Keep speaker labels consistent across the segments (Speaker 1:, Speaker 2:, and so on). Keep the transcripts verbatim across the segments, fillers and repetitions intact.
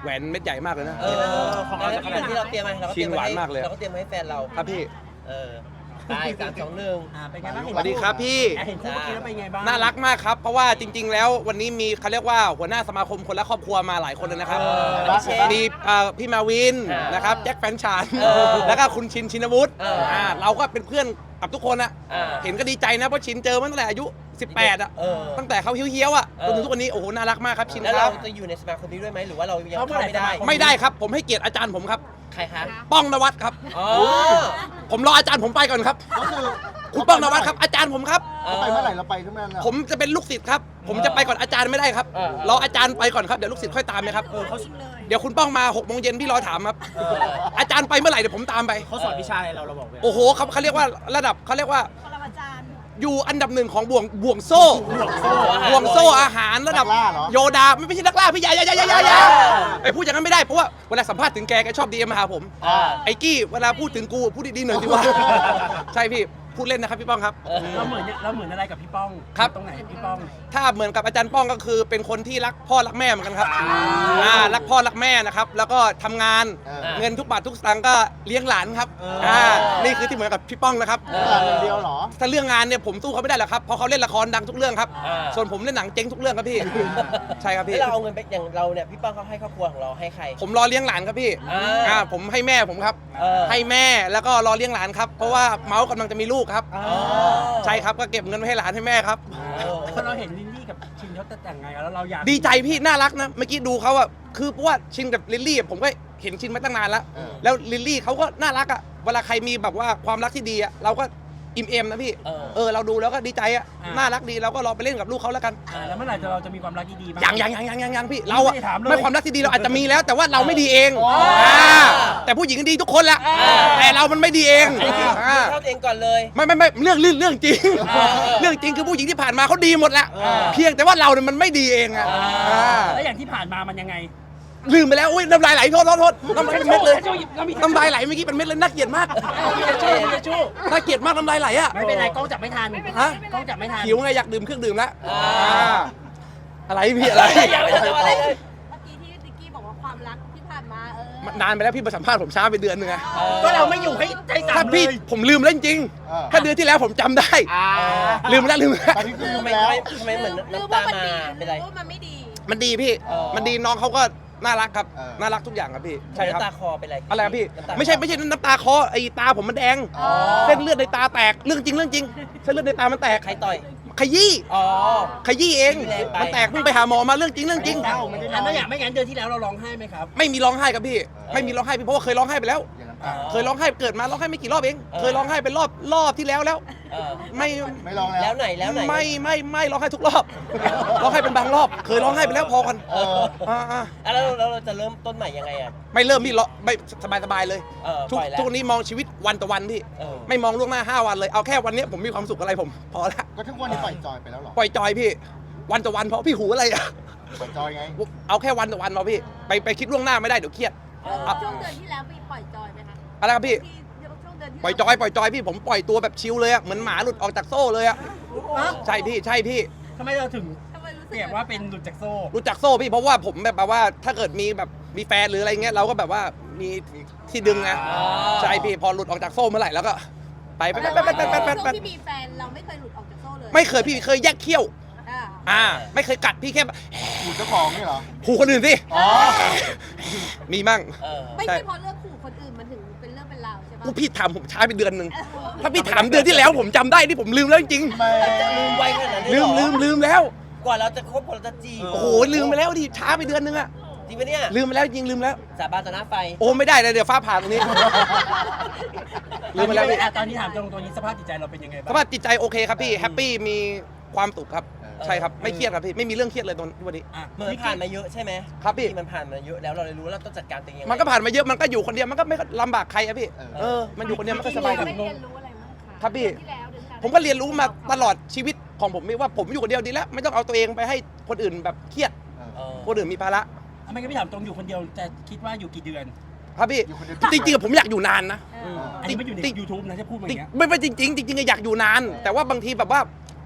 Speaker 1: แหวนเม็ดใหญ่มากเลยนะ
Speaker 2: เออของเราที่เราเตรียมไหมเราก็เตรียม
Speaker 1: ชิ้นหวานมากเลย
Speaker 2: เราก็เตรียมให้แฟนเรา
Speaker 1: ครับพี่
Speaker 2: เออไปสามสองหนึ่ง
Speaker 3: อ่าเป็นไงบ้าง
Speaker 1: สวัสดีครับพี่
Speaker 3: เห็นคู่เมื่อกี้แล้วเป็นไงบ้าง
Speaker 1: น่ารักมากครับเพราะว่าจริง ๆ แล้ววันนี้มีเขาเรียกว่าหัวหน้าสมาคมคนละครอบครัวมาหลายคนเลยนะครับ
Speaker 2: เออ
Speaker 1: มีเอ่อพี่มาวิน
Speaker 2: เออ
Speaker 1: นะครับแจ็คแฟนฉัน
Speaker 2: เออ
Speaker 1: แล้วก็คุณชินชินวุฒิ
Speaker 2: เอออ่
Speaker 1: าเราก็เป็นเพื่อนกับทุกคนอะ
Speaker 2: เออ
Speaker 1: เห็นก็ดีใจนะเพราะชินเจอมาตั้งแต่อายุสิบแปดอะ
Speaker 2: เออ
Speaker 1: ตั้งแต่เขาเฮี้ยวๆอะ
Speaker 2: เอ
Speaker 1: จ
Speaker 2: อน
Speaker 1: ถึงทุกวันนี้โอ้โหน่ารักมากครับชิน
Speaker 2: แล้ว
Speaker 1: ค
Speaker 2: เรา
Speaker 1: รับ
Speaker 2: จะอยู่ในสมาคมนี้ด้วยไหมหรือว่าเรายัง
Speaker 3: เขา
Speaker 2: เข้า
Speaker 3: เมื่อไหร่
Speaker 2: ไม่ได้
Speaker 3: สมาค
Speaker 1: ไม่ได้ครับผมให้เกียรติอาจารย์ผมครับ
Speaker 2: ใครคะ
Speaker 1: ป้องนวัดครับ
Speaker 2: อ๋อ
Speaker 1: ผมรออาจารย์ผมไปก่อนครับ
Speaker 4: ก็คือ
Speaker 1: คุณป้องนวัดครับอาจารย์ผมครับ
Speaker 4: เขาไปเมื่อไหร่เราไปทุกนั้นเหรอ
Speaker 1: ผมจะเป็นลูกศิษย์ครับ ผมจะไปก่อนอาจารย์ไม่ได้ครับ
Speaker 2: เออ
Speaker 1: รออาจารย์ไปก่อนครับ เดี๋ยวลูกศิษย์ค่อยตามนะครับ
Speaker 3: เออเขา
Speaker 1: เดี๋ยวคุณป้องมาหกโมงเย็นพี่รอถามครับ
Speaker 2: เออ
Speaker 1: อาจารย์ไปเมื่อไหร่เดี๋ยวผมตามไป
Speaker 3: เขาสอนวิชาอะไรเราเราบอกเลย
Speaker 1: โอ้โหเขาเขาเรียกว่าระดับเขาเรียกว่า
Speaker 5: ปรมาจารย์
Speaker 1: อยู่อันดับหนึ่งของบ่วงบ่วงโซ่บ่วงโซ่อาหารระดับโยดาไม่ไม่ใช่นักล่าพี่อยาอยาอยาอยาอยาไอพูดอย่างนั้นไม่ได้เพราะว่าเวลาสัมภาษณ์ถึงแกแกชอบดีเอ็มมาหาผม
Speaker 2: อ่า
Speaker 1: ไอ้กี้เวลาพูดถึงกูพูดดีๆหน่อยสิวะ ใช่พี่พูดเล่นนะครับพี่ป้องครับ
Speaker 3: เราเหมือนเราเหมือนอะไรกับพี่ป้อง
Speaker 1: ครับ
Speaker 3: ตรงไหนพี่ป้อง
Speaker 1: ถ้าเหมือนกับอาจารย์ป้องก็คือเป็นคนที่รักพ่อรักแม่เหมือนกันครับอ่ารักพ่อรักแม่นะครับ แล้วก็ทำงาน
Speaker 4: เออ
Speaker 1: เงินทุกบาททุกสตางค์ก็เลี้ยงหลานครับ
Speaker 3: เอออ่
Speaker 1: อ่านี่คือที่เหมือนกับพี่ป้องนะครับ
Speaker 2: เอ
Speaker 4: เอออย่างเดียวเหรอ
Speaker 1: ถ้าเรื่องงานเนี่ยผมสู้เขาไม่ได้หรอกครับเพราะเขาเล่นละครดังทุกเรื่องครับ
Speaker 2: อ่า
Speaker 1: ส่วนผมเล่นหนังเจ๊งทุกเรื่องครับพี่ ใช่ครับ
Speaker 2: แล้ว
Speaker 1: พี่
Speaker 2: เราเอาเงินไปอย่างเราเนี่ยพี่ป้องเขาให้ครอบครัวของเราให้ใคร
Speaker 1: ผมรอเลี้ยงหลานครับพี่
Speaker 2: อ่า
Speaker 1: อ่าผมให้แม่ผมครับ
Speaker 2: เออ
Speaker 1: ให้แม่แล้วก็รอเลี้ยงหลานครับเพราะว่าเมาส์กำลังจะมีลูกครับ
Speaker 2: อ๋อ
Speaker 1: ใช่ครับก็เก็บเงินไว้ให้หลานให้แม่ครับ
Speaker 3: พอเราเห็นลิลลี่กับชินเขาจะแต่งงานกันแล้วเราอยาก
Speaker 1: ดีใจพี่น่ารักนะเมื่อกี้ดูเขาอะคือเพราะว่าชินกับลิลลี่อะผมก็เห็นชินมาตั้งนานแล้ว
Speaker 4: เออ
Speaker 1: แล้วลิลลี่เขาก็น่ารักอะเวลาใครมีแบบว่าความรักที่ดีอะเราก็อิ่มเอมนะพี่
Speaker 2: เออ
Speaker 1: เออเราดูแล้วก็ดีใจอะน่ารักดีเราก็รอไปเล่นกับลูกเขาแล้วกัน
Speaker 3: อ่าแล้วเมื่อไหร่เราจะมีความรักที่ดีบ้าง
Speaker 1: ยังยังยังยังยังยังพี่เราอะ
Speaker 3: ไม่ได้ถามเลย
Speaker 1: ไม่ความรักที่ดีเราอาจจะมีแล้ว แต่ว่าเราไม่ดีเอง
Speaker 2: อ๋อ
Speaker 1: อ่าแต่ผู้หญิงดีทุกคนแหละ
Speaker 2: อ่า
Speaker 1: แต่เรามันไม่ดีเอง
Speaker 2: อันนี้คือ
Speaker 1: อ่า
Speaker 2: เข้าตัวเองก่อนเลย
Speaker 1: ไม่ไม่ไม่เรื่องเรื่องเรื่องจริง
Speaker 2: อ่า
Speaker 1: เรื่องจริงคือผู้หญิงที่ผ่านมาเขาดีหมดแหละ
Speaker 2: อ่า
Speaker 1: เพียงแต่ว่าเราเนี่ยมันไม่ดีเองอะ
Speaker 2: อ่า
Speaker 1: อ่า
Speaker 3: แล้วอย่างที่ผ่านมามันยังไง
Speaker 1: ลืมไปแล้วอุ้ยน้ำลายไหลโทษโทษโทษน้ำลายเป็นเม็ดเลย
Speaker 3: เรามี
Speaker 1: น้ำลายไหลเมื่อกี้เป็นเม็ดเลยน่าเกลียดมาก
Speaker 3: มีทิชชู่มีทิชชู่
Speaker 1: น่าเกลียดมากน้ำลายไหลอะ
Speaker 3: ไม่เป็นไรกล้องจับไม่ทัน
Speaker 1: ฮะ
Speaker 3: กล้องจับไม่ทัน
Speaker 1: หิวไงอยากดื่มเครื่องดื่มแล้ว
Speaker 2: อ่า
Speaker 1: อ่าอะไรพี่อะไร
Speaker 2: ยังไม่ทันจะว่าอะไรเลย
Speaker 5: เมื่อกี้ที่ติ๊กกี้บอกว่าความรักที่ผ่านมาเออ
Speaker 1: นานไปแล้วพี่มาสัมภาษณ์ผมช้าไปเดือนหนึงอะ
Speaker 2: เออ
Speaker 3: ก็เราไม่อยู่ให้ใจสั่
Speaker 1: ถ้าน
Speaker 3: เล
Speaker 1: พี่
Speaker 3: ย
Speaker 1: ผมลืมแล้วจริง
Speaker 4: เออ
Speaker 1: ๆถ้าเดือนที่แล้วผมจำได้
Speaker 2: อ่า
Speaker 1: ลืมแล้วลืมแล้ว
Speaker 4: ตอนนี้คือลื
Speaker 2: ทำ
Speaker 4: ม
Speaker 2: ไม
Speaker 4: แล้ว
Speaker 2: ทำไมเหมือน
Speaker 5: หรือ
Speaker 2: น้ำ
Speaker 5: ว่า
Speaker 2: ตา
Speaker 5: มัน
Speaker 2: มา
Speaker 5: ดีห
Speaker 2: เป็น
Speaker 5: รื
Speaker 2: ไร
Speaker 5: อว่ามันไม่ดี
Speaker 1: มันดีพี่
Speaker 2: เออ
Speaker 1: มันดีน้องเขาก็น่ารักครับ
Speaker 4: เออ
Speaker 1: น่ารักทุกอย่างครับพี่ใช่ครับ
Speaker 2: น้ำตาคอเป็นไร
Speaker 1: อะไรครับพี่
Speaker 2: น้ำตา
Speaker 1: ไม่ใช่ไม่ใช่น้ำตาคอไอ้ตาผมมันแดง
Speaker 2: อ๋อ
Speaker 1: เส้นเลือดในตาแตกเรื่องจริงเรื่องจริงเส้นเลือดในตามันแตก
Speaker 2: ใครต่อย
Speaker 1: ขยี้
Speaker 2: อ๋อ
Speaker 1: ขยี้เอง
Speaker 2: แรงไป
Speaker 1: มันแตกเพิ่งไปหาหมอมาเรื่องจริงเรื่องจริง
Speaker 3: เอ้าไม่ได้อันนั้นอย่างไม่งั้นเดือนที่แล้วเราร้องไห้ไหมครับ
Speaker 1: ไม่มีร้องไห้ครับพี่ ไม่มีร้องไห้พี่เพราะว่าเคยร้องไห้ไปแล้ว
Speaker 4: อย่างน้ำตา
Speaker 1: เคยร้องไห้เกิดมาร้องไห้ไม่กี่รอบเอง
Speaker 2: เออ
Speaker 1: เคยร้องไห้เป็นรอบรอบที่แล้วแล้ว
Speaker 2: เออ
Speaker 1: ไม่
Speaker 4: ไม่ลองแล้
Speaker 2: แล้ว วไหนแล้วไหน
Speaker 1: ไม่ไม่ไม่ร้องไห้ทุกรอบ ร้องไห้เป็นบางรอบ เคยร้องไห้ไปแล้วพอกัน
Speaker 2: เออ
Speaker 1: อ่าอ่า
Speaker 2: อ่ะแล้วแล้วเราจะเริ่มต้นใหม่ยังไงอ่ะ
Speaker 1: ไม่เริ่มพี่ร้องไม่สบายสบายเลย
Speaker 2: เออ
Speaker 1: ทุก
Speaker 2: ปล่อยแล้ว
Speaker 1: ทุกวันนี้มองชีวิตวันต่อวันพี่
Speaker 2: เออ
Speaker 1: ไม่มองล่วงหน้าห้าวันเลยเอาแค่วันนี้ผมมีความสุขอะไรผมพอละ
Speaker 4: ก็ทุกวันนี้ปล่อยจอยไปแล้วเหรอ
Speaker 1: ปล่อยจอยพี่ วันต่อวันเพราะพี่หูอะไรอะ
Speaker 4: ปล่อยจอยไง
Speaker 1: เอาแค่วันต่อวันเราพี่ไปไปคิดล่วงหน้าไม่ได้เดี๋ยวเครียด
Speaker 5: เออ
Speaker 1: อ่ะ
Speaker 5: ช่วงเดือนที่แล้วมีปล่อยจอยไหมคะ
Speaker 1: อะไรครับพี่
Speaker 5: ที่ช่วงเดือนที่
Speaker 1: ปล่อยจอยปล่อยจอยพี่ผมปล่อยตัวแบบชิลเลยอะเหมือนหมาหลุดออกจากโซ่เลยอะใช่พี่ใช่พี่
Speaker 3: ทำไมเราถึง
Speaker 5: ทำไมรู้สึ
Speaker 3: เป
Speaker 5: ก
Speaker 3: รียบว่าเป็นหลุดจากโซ่
Speaker 1: รู้จักโซ่พี่เพราะว่าผมแบบว่าถ้าเกิดมีแบบมีแฟนหรืออะไรเงี้ยเราก็แบบว่ามีที่ดึงไง
Speaker 2: อ๋อ
Speaker 1: ใช่พี่พอหลุดออกจากโซ่เมื่อไหร่แล้วก็ไปไป
Speaker 5: แต่
Speaker 1: ไป
Speaker 5: ว่า
Speaker 1: ไปไปไปไป
Speaker 5: ช่วง
Speaker 1: ไป
Speaker 5: ที่มีแฟนเราไม่เคยหลุดออกจากโซ่เลย
Speaker 1: ไม่เคยพี่เคยแยกเขี้ยว
Speaker 5: อ่า
Speaker 1: อ่าไม่เคยกัดพี่แค่แบบ
Speaker 4: หูเจ้าของนี่เหรอ
Speaker 1: หูคนอื่นสิ
Speaker 4: อ๋อ
Speaker 1: มีมั่ง
Speaker 2: เออ
Speaker 5: ไม่ใช่เพราะเรื่องขู่คนอื่นมันถึงเป็นเรื่องเป็นราวใช่ปะ
Speaker 1: กูพี่ถามผมช้าไปเดือนหนึ่งถ้าพี่ถามเดือนที่แล้วผมจำได้ที่ผมลืมแล้วจริง
Speaker 4: ไม่
Speaker 2: จะลืมไวขนาดนั้น
Speaker 1: ๆ
Speaker 2: เลย
Speaker 1: ลื
Speaker 2: เหร
Speaker 1: ม
Speaker 2: อ
Speaker 1: ลืมลืมแล้ว
Speaker 2: กว่าเราจะคบกว่าเราจะจีบ
Speaker 1: โอ้โหลืมไปแล้วดิช้าไปเดือนนึงอะ
Speaker 2: จริงปะเนี่ย
Speaker 1: ลืมไปแล้วจริงลืมแล้ว
Speaker 2: สาบานต่อหน้าไฟ
Speaker 1: โอ้ไม่ได้เลยเดี๋ยวฟ้าผ่าตรงนี้ ลืมไปแล้วพี่
Speaker 3: อ่ะตอนนี้ถามตรงตัวนี้สภาพจิตใจเราเป็นยังไง
Speaker 1: ส
Speaker 3: บ้าง
Speaker 1: ภาพจิตใจโอเคครับพี่แฮปปี้มีความสุขครับใช่ครับไม่เครียดครับพี่ไม่มีเรื่องเครียดเลยตอนวันนี้
Speaker 3: อ่ะ
Speaker 2: เหมือนผ่านมาเยอะใช่ไหม
Speaker 1: ครับพี่
Speaker 2: ที่มันผ่านมาเยอะแล้วเราเลยรู้ว่าเราต้องจัดการตัวเองยังไง
Speaker 1: มันก็ผ่านมาเยอะมันก็อยู่คนเดียวมันก็ไม่ลำบากใครอะพี่
Speaker 4: เออ
Speaker 1: เออมันอยู่คนเดียวมันก็สบายครับ
Speaker 5: ไม่เรียนรู้อะไรมั้งคะ
Speaker 1: ครับพี่
Speaker 5: เดือนที่แล้วเดือนที่แล้ว
Speaker 1: ผมก็เรียนรู้มาตลอดชีวิตของผมว่าผมอยู่คนเดียวดีแล้วไม่ต้องเอาตัวเองไปให้คนอื่นแบบเครียด
Speaker 2: เออ
Speaker 1: คนอื่นมีภาระ
Speaker 3: ทำไมก็ไม่ถามตรงอยู่คนเดียวจะคิดว่าอยู่กี่เดือน
Speaker 1: ครับพี่
Speaker 4: อยู่คนเดียว
Speaker 1: จริงๆอะผมอยากอยู่นานนะ
Speaker 5: เออ
Speaker 3: อันนี้ไม่อยู่ใน
Speaker 1: ติ๊ก
Speaker 3: ยูทูบนะจะพูดมาอ
Speaker 1: จริ
Speaker 3: ย่าง งเงี้ย
Speaker 1: ไม่ไม่จริงๆจริงๆอะอยากอยู่นาน แต่ว่าบางทีแบบว่า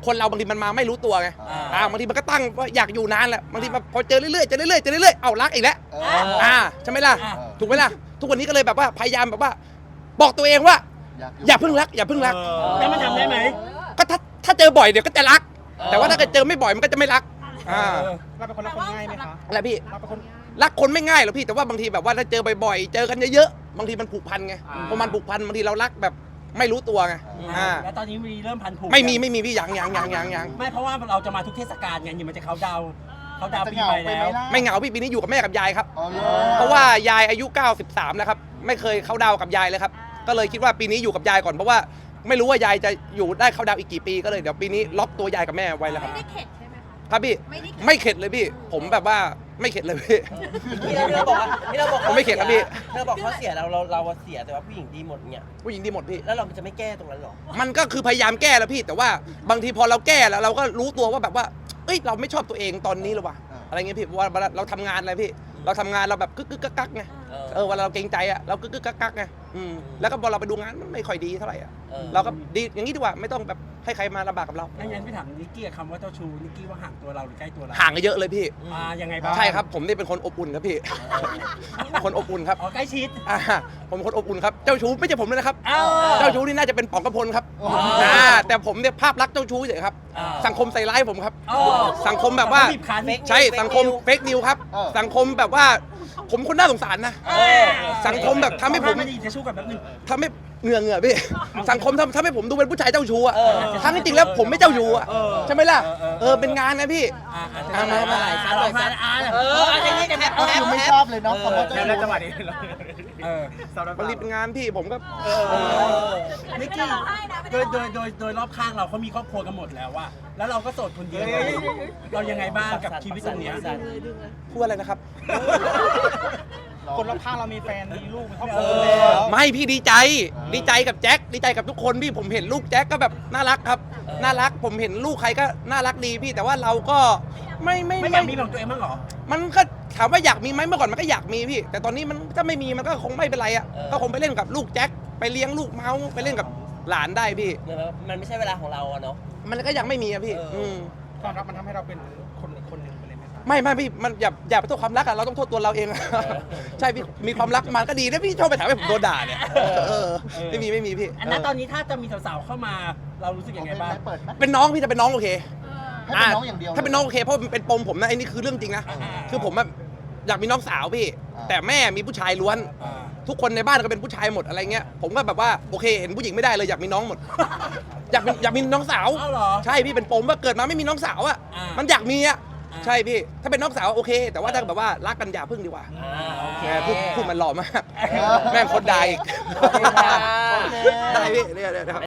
Speaker 1: คนเราบางทีมันมาไม่รู้ตัวไง
Speaker 2: อ่า
Speaker 1: อ่าบางทีมันก็ตั้งว่าอยากอยู่นานแหละบางทีมันพอเจอเรื่อยๆเจอเรื่อยๆเจอเรื่อยๆเอารักอีกแล้ว
Speaker 4: เออ
Speaker 1: อ่าใช่ไหมล่ะ
Speaker 3: อ่า
Speaker 1: ถูกไหมล่ะทุกวันนี้ก็เลยแบบว่าพยายามแบบว่า บอกตัวเองว่า
Speaker 4: อยาก
Speaker 1: อย่าเพิ่งรักอย่าเพิ่งรัก
Speaker 3: แล้วมันทำได้ไหม
Speaker 1: ก็ถ้าถ้าเจอบ่อยเดี๋ยวก็จะรัก แต่ว่าถ้าเกิดเจอไม่บ่อยมันก็จะไม่รักอ่า
Speaker 6: เราเป็นคนรักคนง่ายไหมคะ
Speaker 1: อะไรพี่
Speaker 6: เราเป็นคน
Speaker 1: รักคนไม่ง่ายหรอกพี่แต่ว่าบางทีแบบว่าถ้าเจอบ่อยๆเจอกันเยอะๆบางทีมันผูกพันไง
Speaker 3: อ่า
Speaker 1: พอมันผูกพันบางทีเรารักแบบไม่รู้ตัวไงอ่า
Speaker 3: แล้วตอนนี้มีเริ่มพันผูก
Speaker 1: ไม่มีไม่มีพี่ยังยังยังยังยัง
Speaker 3: ไม่เพราะว่าเราจะมาทุกเทศกาลไงอยู่มันจะเขาดาวน์เขาดาวน์
Speaker 4: จะ
Speaker 3: ปี
Speaker 4: เหงา
Speaker 3: ใหม่
Speaker 4: ไป
Speaker 3: แล้
Speaker 4: ไหม
Speaker 3: ว
Speaker 4: ล่ะ
Speaker 1: ไม่เหงาพี่ปีนี้อยู่กับแม่กับยายครับ
Speaker 4: อ๋อเหรอ
Speaker 1: เพราะว่ายายอายุเก้าสิบสามแล้วครับไม่เคยเข้าดาวกับยายเลยครับก็เลยคิดว่าปีนี้อยู่กับยายก่อนเพราะว่าไม่รู้ว่ายายจะอยู่ได้เข้าดาวอีกกี่ปีก็เลยเดี๋ยวปีนี้ล็อกตัวยายกับแม่ไว้แล้วครับ
Speaker 5: ไม่ได้เข็ดใช่ไหมคะ
Speaker 1: ครับพี่
Speaker 5: ไม่ได้เข็ด
Speaker 1: ไม่เข็ดเลยพี่ ผมแบบว่าไม่เข็ดเลยพี่
Speaker 2: ที่เราบอกว่าที่เราบอก
Speaker 1: ผมไม่เข็ดครับพี่
Speaker 2: ที่เราบอกเขาเสียเราเราเราเสียแต่ว่าผู้หญิงดีหมดเนี่ย
Speaker 1: ผู้หญิงดีหมดพี่
Speaker 2: แล้วเราจะไม่แก้ตรงนั้นหรอ
Speaker 1: มันก็คือพยายามแก้แล้วพี่ แต่ว่าบางทีพอเราแก้แล้วเราก็รู้ตัวว่าแบบว่าเอ้ยเราไม่ชอบตัวเองตอนนี้หรอวะอะไรเงี้ยพี่ว่าเราทำงานอะไรพี่ เราทำงานเราแบบกึกกึกกักกักไง
Speaker 2: เออ
Speaker 1: เออเวลาเราเกรงใจอ่ะเรากึกกึกกักกักไงอืมแล้วก็พอเราไปดูงานมันไม่ค่อยดีเท่าไหร่อ่ะ
Speaker 2: เออ
Speaker 1: เราก็ดีอย่างนี้ดีกว่าไม่ต้องแบบให้ใครมาลำบากกับเรา
Speaker 3: งั้นงั้นพี่ถามนิกกี้คำว่าเจ้าชู้นิกกี้ว่าห่างตัวเราหรือใกล้ตัวเรา
Speaker 1: ห่างกันเยอะเลยพี่
Speaker 3: อ่ายังไงบ้าง
Speaker 1: ใช่ครับผมนี่เป็นคนอบอุ่นครับพี่ คนอบอุ่นครับ
Speaker 3: อ๋อใกล้ชิด
Speaker 1: อ่าผมเป็นคนอบอุ่นครับเจ้าชู้ไม่ใช่ผมเลยนะครับ
Speaker 3: อ้าว
Speaker 1: เจ้าชู้นี่น่าจะเป็นป๋องกระพลครับ
Speaker 4: อ๋อ
Speaker 1: อ่าแต่ผมเนี่ยภาพลักษณ์เจ้าชู้เฉยครับ
Speaker 3: อ่า
Speaker 1: สังคมใส่ร้ายผมครับ
Speaker 3: อ๋อ
Speaker 1: สังคมแบบว่า
Speaker 3: บีบคั้น
Speaker 1: ใช่สังคมเฟกนิวครับ
Speaker 4: เออ
Speaker 1: สังคมแบบว่าผมคนน่าสงสารนะ
Speaker 3: เออ
Speaker 1: สังคมแบบทำให้ผม
Speaker 3: ไม่ดีจะชู้กับแป๊บนึง
Speaker 1: ทำให้เหงื่อเหงื่อพี่ สังคมทำทำให้ผมดูเป็นผู้ชายเจ้าชู้อะ
Speaker 2: เออ
Speaker 1: ทั้งที่จริงแล้วผมไม่เจ้าชู้อะ
Speaker 3: เออ
Speaker 1: ใช่ไหมล่ะ
Speaker 3: เออเออ
Speaker 1: เออเป็นงานนะพี่
Speaker 3: อ่าอ่า
Speaker 1: อ่ามามา
Speaker 3: อ่า
Speaker 2: ซัดหน่อยซัด
Speaker 3: อ่า
Speaker 2: เออเอาอย่างนี้กันแฮป
Speaker 4: ก็
Speaker 2: แฮ
Speaker 4: คื
Speaker 2: ป
Speaker 4: อไม่
Speaker 2: แฮ
Speaker 4: ช
Speaker 2: ป
Speaker 4: อบเลยเนาะคำว่าเจ้า
Speaker 6: แล้ว
Speaker 4: ชู้
Speaker 6: จังหวะนี้
Speaker 3: เออ
Speaker 6: สำหรับ
Speaker 1: มันรีบเป็นงานพี่ผมก็
Speaker 3: เออนิกกี้โดยโดยโดยโดยรอบข้างเราเขามีครอบครัวกันหมดแล้วว่าแล้วเราก็โสดคนเดียวเรายังไงบ้างกับชีวิตตรงเนี้ย
Speaker 1: พูดอะไรนะครับ
Speaker 6: คนรอบข้างเรามีแฟน มีลูก มีครอบค
Speaker 2: เอ
Speaker 6: รัว
Speaker 2: อ
Speaker 6: แล้ว
Speaker 1: ไม่พี่ดีใจ ดีใจกับแจ็คดีใจกับทุกคนพี่ผมเห็นลูกแจ็คก็แบบน่ารักครับ น่ารักผมเห็นลูกใครก็น่ารักดีพี่แต่ว่าเราก็ไม่ไม่
Speaker 3: ไม่อยากมีของตัวเองบ้างเหรอ
Speaker 1: มันก็ถามว่าอยากมีไหมเมื่อก่อนมันก็อยากมีพี่ แต่ตอนนี้มันถ้าไม่มีมันก็คงไม่เป็นไรอ่ะ
Speaker 2: เออ
Speaker 1: ก็คงไปเล่นกับลูกแจ็คไปเลี้ยงลูกเมาส์ไปเล่นกับหลานได้พี่
Speaker 2: เหมือนว่ามันไม่ใช่เวลาของเราอะเนาะ
Speaker 1: มันก็ยังไม่มีอะพี่
Speaker 2: เอออื
Speaker 1: ม
Speaker 6: ความรักมันทำให้เราเป็นคนคนหนึ่งไปเลยไหมครับ
Speaker 1: ไม่ไม่พี่มันอย่าอย่าไปโทษความรักอะเราต้องโทษตัวเราเองอะ ใช่พี่มีความรักมันก็ดีนะพี่ชอบไปถามให้ผมโดนด่าเนี่ยเออไม่มีไม่มีพี่
Speaker 3: อันนั้นตอนนี้ถ้าจะมีสาวๆเข้ามาเรารู้สึกยังไงบ้าง
Speaker 4: เปิดไหม
Speaker 1: เป็นน้องพี่จะเป็นน้องโอเค
Speaker 4: ให้เป็นน้องอย่างเดียว
Speaker 1: ถ้าเป็นน้องโอเคเพราะมันเป็นปมผมนะไอ้นี่คือเรื่องจริงนะ
Speaker 3: อ่า
Speaker 1: คือผมอะอยากมีน้องสาวพี่
Speaker 4: อ่า
Speaker 1: แต่แม่มีผู้ชายล้วน
Speaker 3: อ่า
Speaker 1: ทุกคนในบ้านก็เป็นผู้ชายหมดอะไรเงี้ยผมก็แบบว่าโอเคเห็นผู้หญิงไม่ได้เลยอยากมีน้องหมด อยากมีอยากมีน้องสาว
Speaker 3: เอ้าเหรอ
Speaker 1: ใช่พี่เป็นปมว่าเกิดมาไม่มีน้องสาวอ่ะ
Speaker 3: อ่ามั
Speaker 1: มันอยากมีอ่ะ
Speaker 3: อ่า
Speaker 1: ใช่พี่ถ้าเป็นน้องสาวโอเค แต่ว่าถ้าแบบว่ารักกันอย่าพึ่งดีกว่า
Speaker 2: อ่าโอเค
Speaker 1: แหมพูดพูดมันหล่อมาก
Speaker 3: เออ
Speaker 1: แม่งคนด่าอีก
Speaker 2: โอเคครับ
Speaker 1: ได้พี่เนี่ยเนี่ย